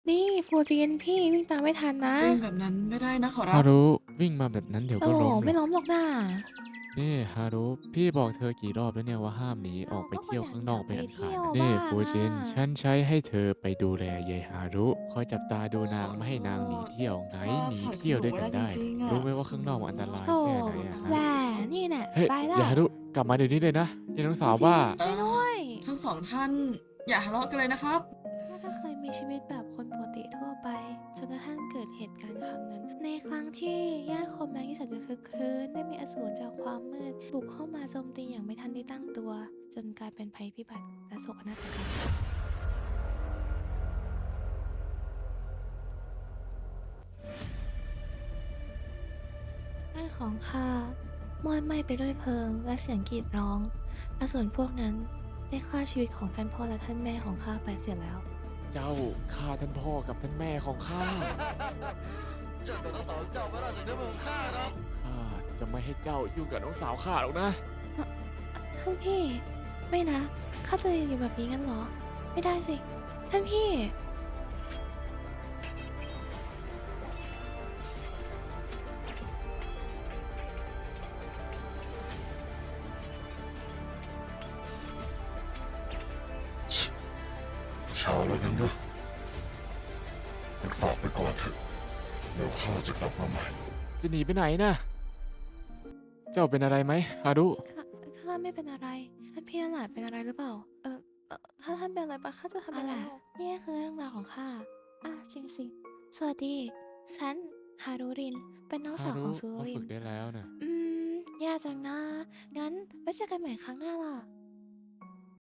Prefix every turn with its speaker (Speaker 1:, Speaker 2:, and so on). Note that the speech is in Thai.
Speaker 1: นี่ฟูจินพี่วิ่งตามไม่ทันนะ
Speaker 2: วิ่งแบบนั้นไม่ได้นะขอรับ
Speaker 3: ฮารุวิ่งมาแบบนั้นเดี๋ยว
Speaker 1: โอ้โห
Speaker 3: ก็ล้มหร
Speaker 1: ไม่
Speaker 3: อก
Speaker 1: ล้มหรอกนะ
Speaker 3: นี่ฮารุพี่บอกเธอกี่รอบแล้วเนี่ยว่าห้ามหนีอ
Speaker 1: เรา
Speaker 3: อกไป
Speaker 1: ก็คน
Speaker 3: เที่ยวข้างนอก
Speaker 1: อยากไป
Speaker 3: เป็นอันขา
Speaker 1: เที่ยว
Speaker 3: ดนะนี่
Speaker 1: บ้างอ่ะ
Speaker 3: ฟูจินฉันใช้ให้เธอไปดูแลยายฮารุคอยจับตาดู
Speaker 2: ขอโท
Speaker 3: นางไม่ให้นางหนี
Speaker 2: ษ
Speaker 3: เที่ยวไง
Speaker 2: ข้า
Speaker 3: หนี
Speaker 2: ขาดคุณ
Speaker 3: เที่ยว
Speaker 2: หนูไม่ได้จ
Speaker 3: ด้วยกันได้
Speaker 2: ริงๆอ่ะ
Speaker 3: รู้ไหมว่าข้างนอกมันอันตราย
Speaker 1: โธ่
Speaker 3: แค่ไหนอะฮะ
Speaker 1: แหละ
Speaker 2: รู้สิครับ
Speaker 1: นี่แน่
Speaker 3: เฮ้ย
Speaker 1: ไปละ
Speaker 3: ยายฮารุกลับมาเดี๋ยวนี้เลยนะยายน้อง
Speaker 1: ฟูจิ
Speaker 3: สาวบ้า
Speaker 1: นช่วยด้วย
Speaker 2: ทั้งสองท่านอย่าทะเลาะกันเลยนะครับ
Speaker 1: ข้าก็เคยมีชีวิตแบบคนปกติทั่วไปจนกระทั่งเกิดเหตุการณ์ครั้งนั้น ในครั้งที่ย่านคอมแมงที่แสนจะคึกครื้นได้มีอสูรจากความมืดบุกเข้ามาโจมตีอย่างไม่ทันได้ตั้งตัว จนกลายเป็นภัยพิบัติและโศกนาฏกรรมบ้านของข้ามอดไหม้ไปด้วยเพลิงและเสียงกรีดร้องอสูรพวกนั้นได้ฆ่าชีวิตของท่านพ่อและท่านแม่ของข้าไปเสียแล้ว
Speaker 3: เจ้าฆ่าท่านพ่อกับท่านแม่ของข้า
Speaker 4: 这等到嫂子叫不到整天问我看呢。
Speaker 3: ข้าจะไม่ให้เจ้ายุ่งกับน้องสาวข้าหรอกนะ
Speaker 1: ท่านพี่ไม่นะข้าจะอยู่แบบนี้งั้นเหรอ ไม่ได้สิ ท่านพี่
Speaker 4: เช้าแล้วงั้นนะมันฝากไปก่อนเถอะเดี๋ยวข้าจะกลับมาใหม่
Speaker 3: จะหนีไปไหนนะเจ้าเป็นอะไรไหมฮารุ
Speaker 1: ข้าข้าไม่เป็นอะไร ท่านพี่นั่นแหละเป็นอะไรหรือเปล่า ถ้าท่านเป็นอะไรไปข้าจะทำยังไงนี่คือเรื่องราวของข้าจริงสิสวัสดี ฉันฮารุริน เป็นน้อง
Speaker 3: ฮารุ
Speaker 1: สาวของซู
Speaker 3: เขา
Speaker 1: ริน
Speaker 3: ฝึกได้แล้วนะ
Speaker 1: แย่จังนะ งั้นไว้เจอกันใหม่ครั้งหน้าล่ะ